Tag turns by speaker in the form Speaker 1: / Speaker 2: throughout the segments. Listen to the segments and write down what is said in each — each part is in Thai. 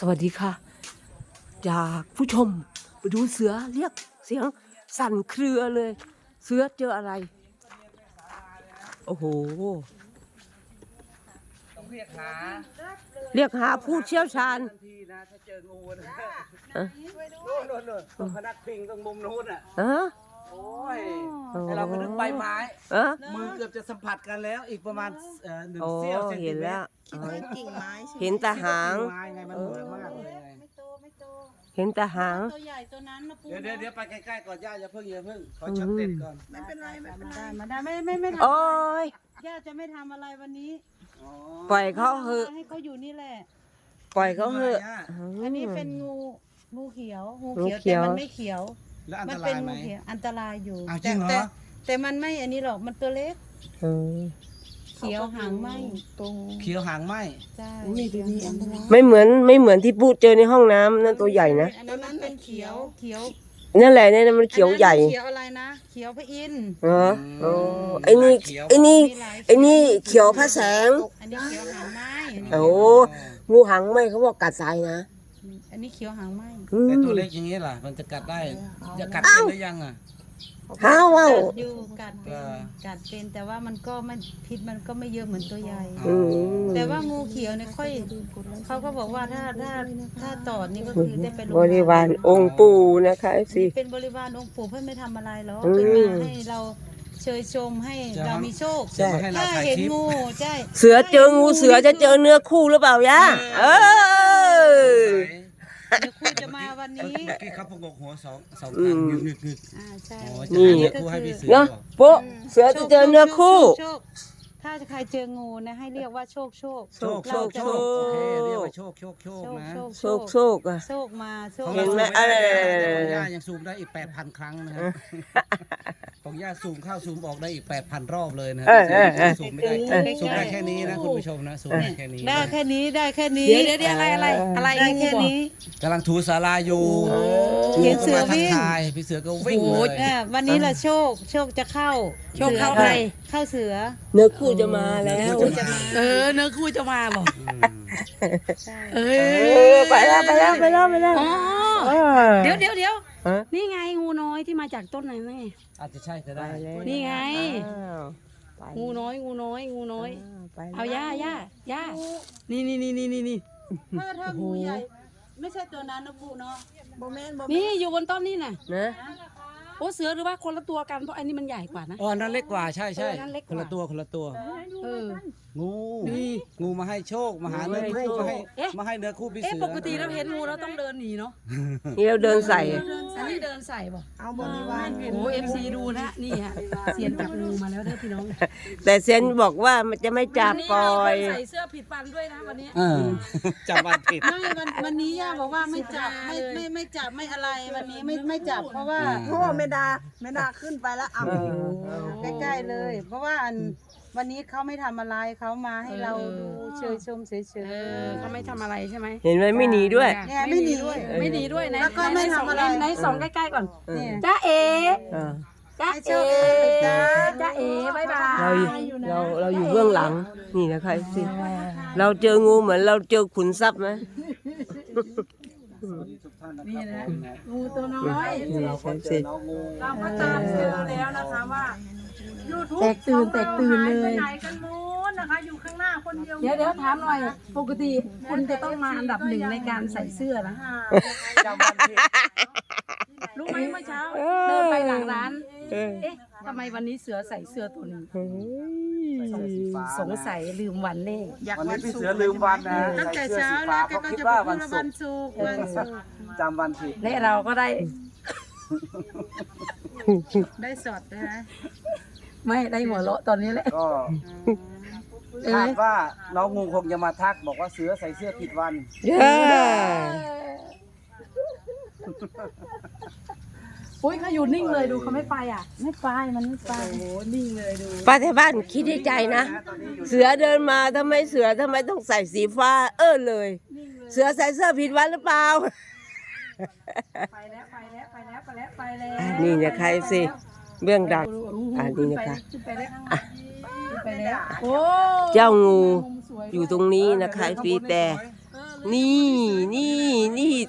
Speaker 1: วัสดีค่ะจากผู้ชมไปดูเสือเรียกเสียงสั่นเครือเลยเสือเจออะไรโอ้โห
Speaker 2: ต้องเรียกหา
Speaker 1: ผู้เชี่ยวชาญ
Speaker 2: ทันทีนะถ้าเจองูนะโน่นพนักพิงตรงมุมนู้นอ่ะโอ้ยให้เราไปนึกใบไม้มือเกือบจะสัมผัสกันแล้วอีกประมาณ1 เสี้ยวเซนติ
Speaker 1: เห็น
Speaker 2: เม
Speaker 1: แล้
Speaker 2: ต
Speaker 1: ว
Speaker 2: ร
Speaker 3: กิ่งไม้ใช่ไหม
Speaker 1: เห็นแต่หาง
Speaker 2: ไม้ไงมันเหมือนมากเลยไง
Speaker 3: ไม่โตไม่โต
Speaker 1: เห็นแต่หาง
Speaker 3: ตัวใหญ่ตัวนั้นนะปู
Speaker 2: เดี๋ยวไปใกล้ๆก่อนย่าอย่าเพิ่งขอช็อตเด็ดก่อน
Speaker 3: ไม่เป็นไรไม่เป็นไรมาได้ไม่ทำ
Speaker 1: โอ้ย
Speaker 3: ย่าจะไม่ทำอะไรวันนี้
Speaker 2: อ๋อ
Speaker 1: ปล่อยเขาเหอะ
Speaker 3: ให้เขาอยู่นี่แหละ
Speaker 1: ปล่อยเขาเหอะ
Speaker 3: อันนี้เป็นงูเขียว
Speaker 1: งู
Speaker 3: เขียว
Speaker 1: เขี
Speaker 3: แต่
Speaker 1: ยว
Speaker 3: มันไม่เขียว
Speaker 2: แล้วอัน
Speaker 3: มั
Speaker 2: ต
Speaker 3: เป็
Speaker 2: รายไหม
Speaker 3: งูเขียวอันตรายอยู่
Speaker 2: อ้าวจริงเหรอ
Speaker 3: แต่มันไม่อันนี้หรอกมันตัวเล็ก
Speaker 1: เออ
Speaker 3: เขียวหางไหม
Speaker 2: เขียวหางไหม
Speaker 3: ใช่
Speaker 1: ไม่เหมือนที่พูดเจอในห้องน้ำนั่นตัวใหญ่นะ
Speaker 3: อันนั้นมันเป็นเขียว
Speaker 1: นั่นแหละเนี่ยมันเขียวใหญ่
Speaker 3: เขียวอะไรนะเขียวพระอินทร์
Speaker 1: โอ้ไอ้นี่เขียวพระแสง
Speaker 3: อันนี้เขียวหางไหม
Speaker 1: โอ้งูหางไหมเขาบอกกัดตายนะ
Speaker 3: อันนี้เขียวหางไหม
Speaker 2: ไอตัวเล็กอย่างนี้ล่ะมันจะกัดได้จะกัดเป็นหรือยังอ่ะ
Speaker 1: ห้าวว้าว
Speaker 3: อยู่กัดเป็นแต่ว่ามันก็ไม่พิษมันก็ไม่เยอะเหมือนตัวใหญ่
Speaker 1: อืม
Speaker 3: แต่ว่างูเขียวเนี่ยค่อยเขาก็บอกว่าถ้าตอดนี่ก็คือได้ไปโรงพยา
Speaker 1: บ
Speaker 3: บาล
Speaker 1: ริวารองค์ปู่นะคะสิ
Speaker 3: เป็นบริวารองค์ปู่เพื่อไม่ทำอะไรหรอก
Speaker 1: อืม
Speaker 3: เป็นมาให้เราเชยชมให้เรามีโชค
Speaker 2: จะมาให้เรา
Speaker 3: ถ้า
Speaker 2: ถ่าย
Speaker 3: เห็น
Speaker 2: คลิป
Speaker 3: งูใช่
Speaker 1: เสือเจองูเสือจะเจอเนื้อคู่หรือเปล่ายะเออ
Speaker 3: เดี๋ยวคุณจะมาวันนี้
Speaker 2: เมื่อกี้เขาประกบหัวสองครั้งงึก
Speaker 3: ใช่
Speaker 2: อ๋อ
Speaker 1: นี่
Speaker 2: จะให้คู่ให้พี่เสือ
Speaker 1: เนาะ
Speaker 2: บอก
Speaker 1: โป๊ะเสือจะเจอเนื้อคู่
Speaker 3: โชคถ้าใครเจองูนะให้เรียกว่าโชค
Speaker 2: โชค
Speaker 1: โชค
Speaker 2: โอเคเรียกว่าโชคนะ
Speaker 1: โชคอ่ะ
Speaker 3: โชคมาโชค
Speaker 1: เห็นไหม
Speaker 2: ของย่ายังซูมได้อีก 8,000 ครั้งนะครับของย่าซูมเข้าซูมออกได้อีก 8,000 รอบเลยนะซูมไม่ได้ซูมได้แค่นี้นะคุณผู้ชมนะซูมได้แค่นี้
Speaker 3: ได้แค่นี้ได้แค่นี้
Speaker 4: เดี๋ยวอะไร
Speaker 3: ได้แค่นี้
Speaker 2: กำลังถูศาลาอยู่
Speaker 3: เห็นเสือวิ่ง
Speaker 2: ทายพี่เสือก็วิ่งเลย
Speaker 3: วันนี้แหละโชคจะเข้า
Speaker 4: โชคเข้าใคร
Speaker 3: เข้าเสือ
Speaker 1: เนื้อคู่จะมาแล้ว
Speaker 4: เนื้อคู่จะมาบอก
Speaker 3: ใช่
Speaker 4: เอ
Speaker 1: ไปแล้ว
Speaker 4: อ๋อ
Speaker 1: เออ
Speaker 4: เดี๋ยว
Speaker 1: ฮะ
Speaker 4: นี่ไงงูน้อยที่มาจากต้นไหนไง
Speaker 2: อาจจะใช่ก็ได้
Speaker 4: นี่ไง
Speaker 1: อ้าวไป
Speaker 4: งูน้อย
Speaker 1: ไป
Speaker 4: เอาย่านี่
Speaker 3: ถ้างูใหญ่ไม่ใช่ตัวนั้นนะปูเนาะ
Speaker 4: นี่อยู่บนต้นนี่น่ะ
Speaker 1: นะ
Speaker 4: โอ้เสือหรือว่าคนละตัวกันเพราะอันนี้มันใหญ่กว่านะ
Speaker 2: อ๋อนั่นเล็กกว่าใช่
Speaker 4: นั่นเล็กก
Speaker 2: ค
Speaker 4: ว่า
Speaker 2: นละตัว
Speaker 4: เออ
Speaker 2: งูมาให้โชคมาหาเนื้อคู่มาให้เนื้อคู่พี่
Speaker 4: เอ๊ะ
Speaker 2: เสือ
Speaker 4: ปกติเราเห็นงูเราต้องเดินหนีเนาะ
Speaker 1: นี่เราเดินใส่
Speaker 4: อันนี้เดินใส่บอก
Speaker 3: เอาบริวาร
Speaker 4: โอ้FC ดูนะนี่ฮะเสียนจับงูมาแล้วเด้อพี่น้อง
Speaker 1: แต่เซนบอกว่ามันจะไม่จับปล่อย
Speaker 4: ใส่เสื้อผิดฟันด้วยนะวันนี้
Speaker 2: จำวันผิด
Speaker 3: ไม่วันนี้ย่าบอกว่าไม่จับไม่จับไม่อะไรวันนี้ไม่จับเพราะว่า
Speaker 5: ไม่ได้ขึ้นไปแล้วเอา
Speaker 3: ใกล้ๆเลย เพราะว่าวันนี้เขาไม่ทำอะไรเขามาให้เราดูเชยชมเฉย
Speaker 4: เขาไม่ทำอะไรใช่ไหม
Speaker 1: เห็นไหมไม่หนีด้วย
Speaker 3: ๆเนี่ยไม่หนีด้วย
Speaker 4: ไม่หนีด้วยนะ
Speaker 3: แล้วก็ไม่ทำอะไร
Speaker 4: ไหนส่องใกล้ๆก่อน
Speaker 3: เนี่ย
Speaker 4: จ้าเอ
Speaker 1: เออ
Speaker 4: จ้า
Speaker 3: ให้
Speaker 4: เอ
Speaker 3: โชคดีจ้า
Speaker 4: จ้าเอบายบาย
Speaker 1: เราอยู่เบื้องหลังนี่นะคะสิเราเจองูเหมือนเราเจอขุนทรัพย์ไหม
Speaker 4: นี่นะงูตัวน้อย
Speaker 1: นี่ใช่สิ
Speaker 4: เราก็ตามเจอแล้วนะคะว่ายูทูบ
Speaker 3: แตกตื่นเลย
Speaker 4: ไหนกันมูนนะคะอยู่ข้างหน้าคนเดียวเดี๋ยวถามหน่อยปกติคุณจะต้องมาอันดับหนึ่งในการใส่เสื้อนะรู้ไหมเมื่อเช้าเดินไปหลังร้านเอ๊ะทำไมวันนี้เสือใส่เสื้อตัวนี้สงสัยลืมวันเลข
Speaker 2: วันนี้พี่เสือลืมวันนะ
Speaker 3: ตั้งแต่เช้าแล้วแกก็จะพูดว่าวันศุกร์
Speaker 2: จำวันผิด
Speaker 4: และเราก็ได้
Speaker 3: ได้สดนะ
Speaker 4: ไม่ได้หัวเราะตอนนี้แหละ
Speaker 2: ก็คาดว่าน้องงูคงจะมาทักบอกว่าเสือใส่เสื้อผิดวัน
Speaker 1: เย้
Speaker 4: อุ้ยเขาอยู่นิ่งเลยดูเขาไม่ไปอ่ะ
Speaker 3: ไม่ไปมันไม่ไป
Speaker 4: โอ้นิ่งเลยดู
Speaker 1: ป้าที่บ้านคิดในใจนะ เสือเดินมาทำไมต้องใส่สีฟ้าเลย เสือใส่เสื้อผิดวันหรือเปล่า
Speaker 4: ไปแล้ว
Speaker 1: นี่นะคะสิเบื้องดังนี่นะคะ
Speaker 4: ขึ้นไปแล้วไปแล้วโอ้
Speaker 1: เจ้างูอยู่ตรงนี้นะคะฟีแต่นี่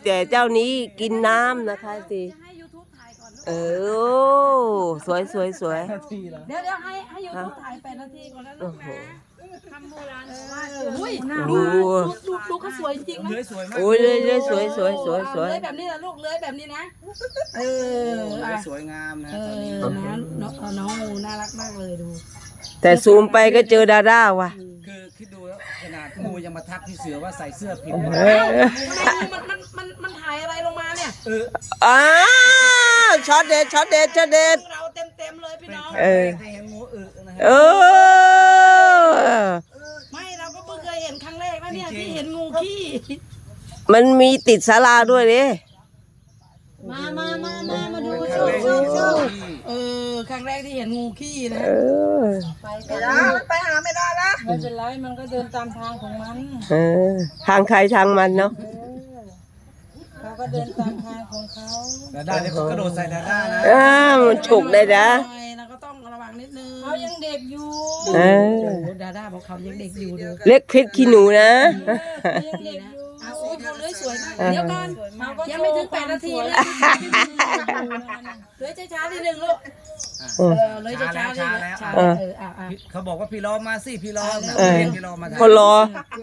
Speaker 1: แต่เจ้านี้กินน้ำนะคะสิ
Speaker 4: ให้ YouTube ถ่ายก่อน
Speaker 1: สวยสวยสวย
Speaker 2: นาทีแล้ว
Speaker 4: เดี๋ยวให้ YouTube ถ่าย8 นาทีก่อนแล้วลู
Speaker 1: โอ้
Speaker 4: ก
Speaker 1: โห
Speaker 4: นะคำโบราณบอกว่าอุ้ย
Speaker 1: ดู
Speaker 4: ดูเขาสวยจริงนะ
Speaker 2: เลื้อยสวยมาก
Speaker 1: โอ้ยเลยสวยสวยสวยสวย
Speaker 4: เลื้อยแบบนี้นะลูกเลื้อยแบบนี้นะเออ
Speaker 2: เลื้อยสวยงามนะ
Speaker 4: เอ
Speaker 2: ตอนนี้
Speaker 4: อน้องงูน่ารักมากเลยดู
Speaker 1: แต่ซูมไปก็เจอดาด้าว่ะ
Speaker 2: คือคิดดูแล้วขนาดงูยังมาทักพี่เสือว่าใส่เสื้อผิด
Speaker 1: เอ
Speaker 2: นะ
Speaker 1: อ
Speaker 4: มันถ่ายอะไรลงมาเนี่ย
Speaker 2: เออ
Speaker 1: อ้าวช็อตเด็ดช็อตเด็ดช็อตเด็ด
Speaker 4: เราเต็มเลยพี่
Speaker 2: เป็น
Speaker 4: น้อง
Speaker 2: ครั้งแรกที่เห็นงูนะฮะ
Speaker 1: เออ
Speaker 4: ไม่เราก็เพิ่งเคยเห็นครั้งแรกนะเนี่ยที่เห็นงูขี้
Speaker 1: มันมีติดศาลาด้วยดิ
Speaker 3: มาดู
Speaker 2: เป็นค
Speaker 3: โช
Speaker 2: รั้ง
Speaker 3: ว์
Speaker 2: แรก
Speaker 3: โช
Speaker 2: ที่
Speaker 3: ว์
Speaker 2: เห็น
Speaker 3: โชว์
Speaker 4: เออครั้งแรกที่เห็นงูขี้นะ
Speaker 1: เออ
Speaker 5: ไปหาไม่ได้ละ
Speaker 3: ไม่เป็นไรมันก็เดินตามทางของมัน
Speaker 1: เออ ทางใครทางมันเนาะ
Speaker 3: เขาก็เดินตามทางของเขา
Speaker 2: ดาด้าเนี่ยเขากระโดดใส่ดาด้านะ
Speaker 1: มันฉกได้นะ
Speaker 4: เราก็ต้องระวังนิดนึง
Speaker 3: เขายังเด็กอยู่
Speaker 1: เออ
Speaker 4: โอ้ดาด้าบอกเขายังเด็กอยู่เด้อ
Speaker 1: เล็กเพชรขี้หนูนะ
Speaker 3: เขายังเด็กอยู่
Speaker 4: อ้าวโอ้เขาเลื้อยสวยมากเดี๋ยวก่อนยังไม่ถึง8 นาทีเลยเลื้อยช้าๆนิดนึงลูกเลื้อยช้าๆนิดนึงช้าๆ
Speaker 2: เขาบอกว่าพี่ล้อมาสิพี่ล้อนะ
Speaker 1: เออ
Speaker 2: เรียกพี่ล้อมา
Speaker 1: คนรอ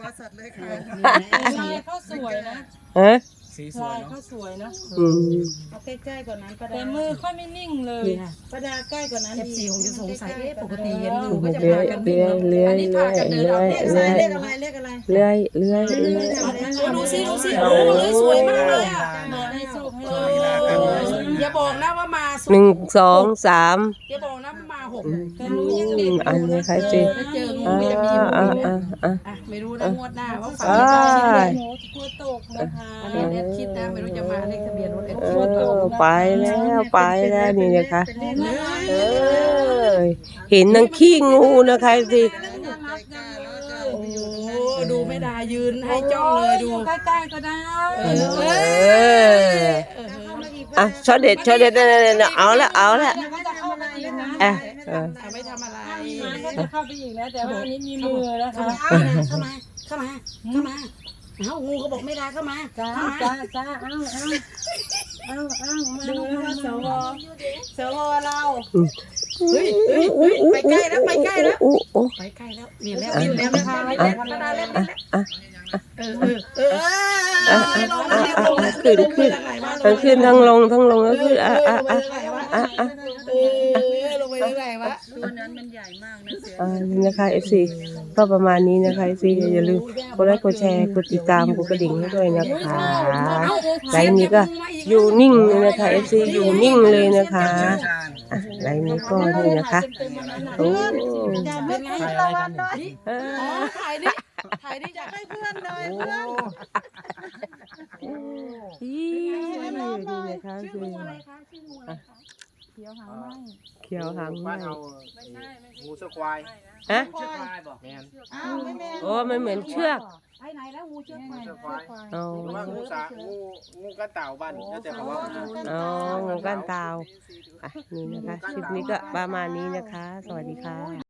Speaker 3: ลายเขาสวยนะ
Speaker 1: ฮะ
Speaker 2: สีสว
Speaker 3: ลาย ย
Speaker 2: เนาะ
Speaker 3: เขาสวยนะ
Speaker 1: อืม
Speaker 3: เอาใกล้ๆกว่านั้นประดาแต่มือค่อยไม่นิ่งเลยประดาใกล้กว่านั้น
Speaker 4: FC คงจะสงสัยปกติเห็นงู
Speaker 1: เ
Speaker 4: ก็จะ
Speaker 1: ลื้อ
Speaker 4: พาย กัน
Speaker 1: เลื้อยเลื้อยเลื้อยเลื้อย
Speaker 3: เล
Speaker 1: เลื้อย
Speaker 3: ขอะไร
Speaker 1: เลื้อยเลื้อยเลื้อย
Speaker 4: ดูสิโอ้เลื้อยสวยมากเลยอ่ะ
Speaker 3: มาให้โชคให้
Speaker 4: อย่าบอกนะว่ามาสุด
Speaker 1: 1 2 3
Speaker 4: อย่าบอกนะว่ามา6
Speaker 3: แต่รู้ยังเด็ก
Speaker 1: อันนี้ใครสิ
Speaker 4: ถ้าเจองู
Speaker 1: อ่า
Speaker 4: ก็จะมี
Speaker 1: อ่า
Speaker 4: งู
Speaker 1: อ่าอ่า
Speaker 4: ไม่รู้นะงวดหน้าว่าฝัน
Speaker 1: อ่า
Speaker 4: ได้ชิ้นเลย
Speaker 3: หนูกลัวตกนะคะ
Speaker 4: อันนี้แอดคิดนะไม่รู้จะมาเลขทะเบียนรถแอด
Speaker 1: เอ
Speaker 4: คิด
Speaker 1: อไปแล้วไปแล้วนี่นะคะเออเห็นนางขี้งูนะคะสิ
Speaker 4: โอ้ดูไม่ได้ยืนให้จ้องเลยดู
Speaker 3: ใกล้ๆก็ได้
Speaker 1: เอออ่ะช็อตเด็ดช็อตเด็ดนั่นเอาละเอาละ
Speaker 3: มันจะเข้ามาอีกนะ
Speaker 1: อ่ะ
Speaker 4: ไม่ทำอะไร
Speaker 3: มันก็จะเข้าไปอีกแล้วแต่ว่าอันนี้มีมือนะคะ
Speaker 4: เข้ามาเอางูก็บอกไม่ได้เข้ามา
Speaker 3: จ้าจ้าเอามาดูนะคะสวเรา
Speaker 4: เฮ้ยไปใกล้แล้วไปใกล้แล้ว
Speaker 1: โอ้โอ้
Speaker 4: ไปใกล้แล้วเรียนแล้วเรียนแล้ว
Speaker 1: ขึ้นทั้งลงทั้งลงก็ขึ้น
Speaker 4: ลงไปเรื่อยๆวะ
Speaker 3: ตัวนั้นมันใหญ่มากนะเสือ
Speaker 1: นี่นะคะ FC ก็ประมาณนี้นะคะ FC อย่าลืมกดไลค์กดแชร์กดติดตามกดกระดิ่งให้ด้วยนะคะไลน์นี้ก็อยู่นิ่งเลยนะคะ FC อยู่นิ่งเลยนะคะไลน์นี้ก็นี่นะคะโอ้
Speaker 4: เป็นไง
Speaker 2: ถ่ายอะไรกันเนี่ย
Speaker 4: อ๋อถ่ายดิอยากให้เพื่อนเลย
Speaker 2: โอ้
Speaker 1: นี่นะคะคือ
Speaker 3: เขียวหางไหม
Speaker 1: เขียวหางไหม
Speaker 2: บ้านเอางูเสือควาย
Speaker 1: ฮะ
Speaker 2: เชือกควายบอกแมน
Speaker 3: อ้าวไม่แม่
Speaker 1: โอ้มันเหมือนเชือก
Speaker 4: ไปไหนแล้วงูเชือก
Speaker 2: เชือกควาย
Speaker 1: อ๋อ
Speaker 6: หรือว่างูกระเต่าบ้านแล้วแต่เขาว่า
Speaker 1: อ๋องูก้านตาวอ่ะนี่นะคะคลิปนี้ก็ประมาณนี้นะคะ สวัสดีค่ะ